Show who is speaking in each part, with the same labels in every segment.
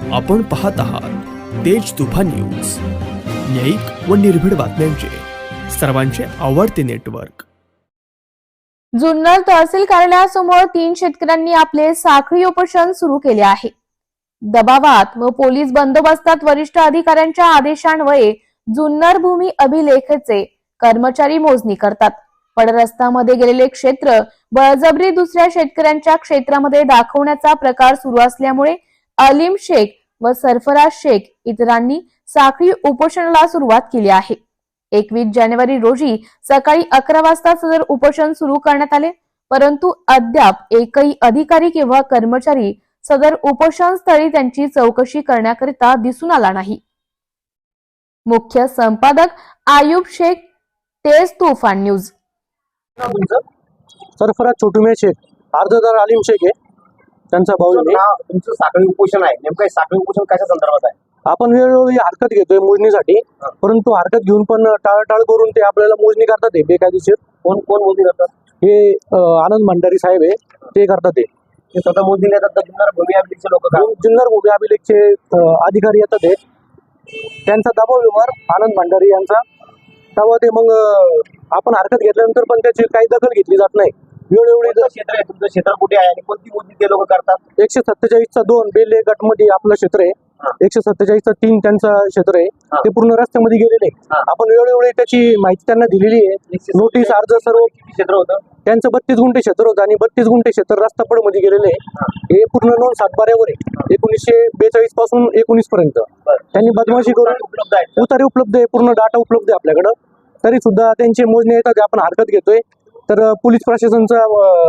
Speaker 1: आपण पाहत आहात तेज तुफान न्यूज, न्यायिक व निर्भीड बातम्यांचे सर्वांचे आवडते नेटवर्क।
Speaker 2: जुन्नर तहसील कार्यालयासमोर 3 शेतकऱ्यांनी आपले साखळी उपोषण सुरू केले आहे। दबावात व पोलीस बंदोबस्तात वरिष्ठ अधिकाऱ्यांच्या आदेशान्वये जुन्नर भूमी अभिलेखचे कर्मचारी मोजणी करतात, पण रस्त्यामध्ये गेलेले क्षेत्र बळजबरी दुसऱ्या शेतकऱ्यांच्या क्षेत्रामध्ये दाखवण्याचा प्रकार सुरू असल्यामुळे अलीम शेख व सरफराज शेख इतरांनी साखळी उपोषणाला सुरुवात केली आहे। 21 जानेवारी रोजी सकाळी 11 वाजता सदर उपोषण सुरू करण्यात आले, परंतु अद्याप एकही अधिकारी किंवा कर्मचारी सदर उपोषण स्थळी त्यांची चौकशी करण्याकरिता दिसून आला नाही। मुख्य संपादक आयुब शेख, तेज तुफान न्यूज।
Speaker 3: सरफराज छोटुमे शेख, अर्जदार अलीम शेख आहे, त्यांचा भाऊ आहे।
Speaker 4: तुमचं साखळी उपोषण आहे, नेमकं साखळी उपोषण कशा संदर्भात आहे?
Speaker 3: आपण वेळोवेळी हरकत घेतोय मोजणीसाठी, परंतु हरकत घेऊन पण टाळाटाळ करून ते आपल्याला मोजणी करतात आहे बेकायदेशीर।
Speaker 4: कोण कोण मोजणी करतात?
Speaker 3: हे आनंद भंडारी साहेब आहे, ते करतात।
Speaker 4: ते स्वतः मोजणी येतात का जुन्नर भूमी अभिलेखचे लोक?
Speaker 3: जुन्नर भूमी अभिलेखचे अधिकारी येतात आहे, त्यांचा दबाव व्यवहार आनंद भंडारी यांचा। तेव्हा ते मग आपण हरकत घेतल्यानंतर पण त्याची काही दखल घेतली जात नाही। वेळोवेळी
Speaker 4: क्षेत्र आहे तुमचं, क्षेत्र कुठे आहे आणि कोणती मोजणी ते लोक करतात?
Speaker 3: 147चा 2 बेले गटमध्ये आपलं क्षेत्र आहे, 147चा 3 त्यांचा क्षेत्र आहे, ते पूर्ण रस्त्यामध्ये गेलेले। आपण वेळोवेळी त्याची माहिती त्यांना दिलेली आहे, नोटीस अर्ज सर्व।
Speaker 4: क्षेत्र होतं
Speaker 3: त्यांचं 32 गुंठे क्षेत्र होतं आणि 32 गुंठे क्षेत्र रस्तापड मध्ये गेलेले आहे। हे पूर्ण नोंद सातबाऱ्यावर आहे, 1942 पासून 19 पर्यंत त्यांनी बदमाशी करून
Speaker 4: उपलब्ध आहे,
Speaker 3: उतारे उपलब्ध आहे, पूर्ण डाटा उपलब्ध आहे आपल्याकडं। तरी सुद्धा त्यांची मोजणी येतात, आपण हरकत घेतोय। तर पोलीस प्रशासनचा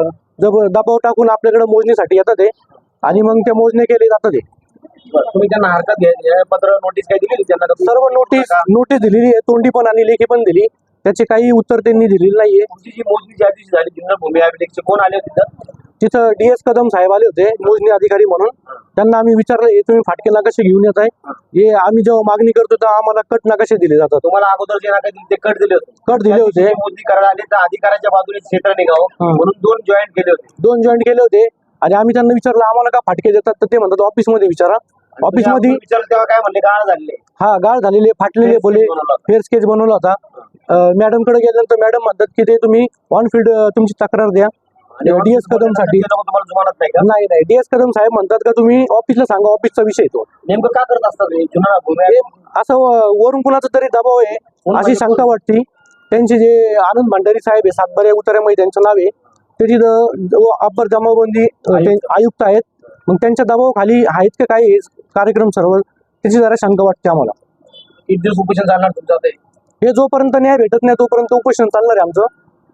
Speaker 3: दबाव टाकून आपल्याकडे मोजणीसाठी येतात आणि मग त्या मोजणी केले जातात।
Speaker 4: तुम्ही त्यांना हरकत पत्र नोटीस काय दिली त्यांना?
Speaker 3: सर्व नोटीस दिलेली आहे, तोंडी पण आणि लेखी पण दिली, त्याचे काही उत्तर त्यांनी दिलेले नाहीये।
Speaker 4: तुमची जी मोजणी ज्या दिवशी झाली जुन्नर भूमी अभिलेखचे कोण आले होते
Speaker 3: तिथं DS कदम साहेब आले होते मोजणी अधिकारी म्हणून। त्यांना आम्ही विचारलं, हे तुम्ही फाटके नकाशे घेऊन येत आहे? हे आम्ही जेव्हा मागणी करतो तर आम्हाला कट नकाशे दिले जातात।
Speaker 4: तुम्हाला अगोदर जे नकाशे दिले ते कट दिले होते?
Speaker 3: कट दिले होते।
Speaker 4: मोजणी करायला आले तर अधिकाऱ्याच्या बाजूने क्षेत्र निघावं म्हणून 2 जॉईंट केले होते।
Speaker 3: 2 जॉईंट केले होते आणि आम्ही त्यांना विचारलं आम्हाला का फाटके देतात, तर ते म्हणतात ऑफिस मध्ये विचारा। ऑफिस मध्ये
Speaker 4: विचारलं तेव्हा काय म्हणले? गाळ झालेले?
Speaker 3: हा, गाळ झालेले, फाटलेले बोले, फेअर स्केच बनवला होता। मॅडम कडे गेल्यानंतर मॅडम म्हणतात की ते तुम्ही ऑन फील्ड तुमची तक्रार द्या DS कदम साठी।
Speaker 4: तुम्हाला जुमानत नाही का?
Speaker 3: नाही, DS कदम साहेब म्हणतात का तुम्ही ऑफिसला सांगा, ऑफिसचा विषय तो।
Speaker 4: नेमकं का करत असतात जुन्नर भूमी?
Speaker 3: असं वरून कुणाचा तरी दबाव आहे अशी शंका वाटते। त्यांचे जे आनंद भंडारी साहेब आहे, सातबाऱ्या उतार्यामध्ये त्यांचं नाव आहे, ते तिथं अप्पर जमाबंदी आयुक्त आहेत, मग त्यांच्या दबावाखाली आहेत का काय कार्यक्रम सर्व, त्याची जरा शंका वाटते आम्हाला।
Speaker 4: किती दिवस उपोषण चालणार तुमचं?
Speaker 3: हे जोपर्यंत न्याय भेटत नाही तोपर्यंत उपोषण चालणार आहे आमचं।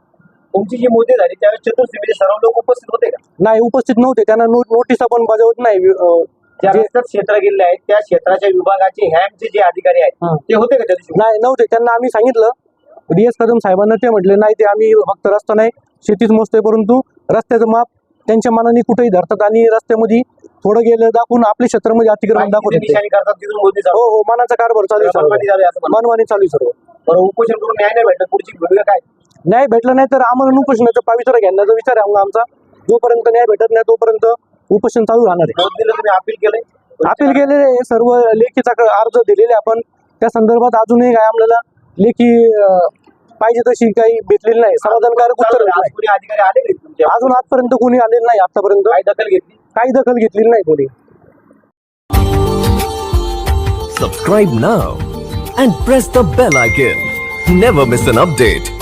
Speaker 4: तुमची जी मोजणी झाली त्यावेळेस चतुर्थीमध्ये सर्व लोक उपस्थित होते का?
Speaker 3: नाही, उपस्थित नव्हते, त्यांना नोटीस पण बजावत नाही।
Speaker 4: ज्या रस्त्यात क्षेत्र गेले आहेत त्या क्षेत्राच्या विभागाचे हॅमचे जे अधिकारी आहेत ते होते का त्या दिवशी?
Speaker 3: नाही, नव्हते। त्यांना आम्ही सांगितलं DS कदम साहेबांना, ते म्हटले नाही, ते आम्ही फक्त रस्ता नाही शेतीच मोजतोय, परंतु रस्त्याचं माप त्यांच्या मनाने कुठेही धरतात आणि रस्त्यामध्ये थोडं गेलं दाखवून आपल्या क्षेत्रामध्ये अतिक्रमण दाखवतात। हो, मनाचा कारभार चालू आहे, मनमानी चालू सर्व।
Speaker 4: बरं, उपोषण करून न्याय नाही भेटत, पुढची भूमिका काय?
Speaker 3: न्याय भेटला नाही तर आम्हाला उपोषणाचं पावित्र्य घेण्याचा विचार आहे आमचा। जोपर्यंत न्याय भेटत नाही तोपर्यंत उपोषण चालू राहणार आहे।
Speaker 4: तुम्ही अपील केलंय?
Speaker 3: अपील केलेले सर्व लेखीचा अर्ज दिलेले आपण, त्या संदर्भात अजूनही काय आपल्याला लेखी पाहिजे तशी काही भेटलेली नाही, समाधानकारक उत्तर
Speaker 4: अधिकारी आले तुमच्या?
Speaker 3: अजून आजपर्यंत कोणी आलेलं नाही, आतापर्यंत काही दखल घेतलेली नाही कोणी।
Speaker 1: Subscribe now and press the bell icon. Never miss an update.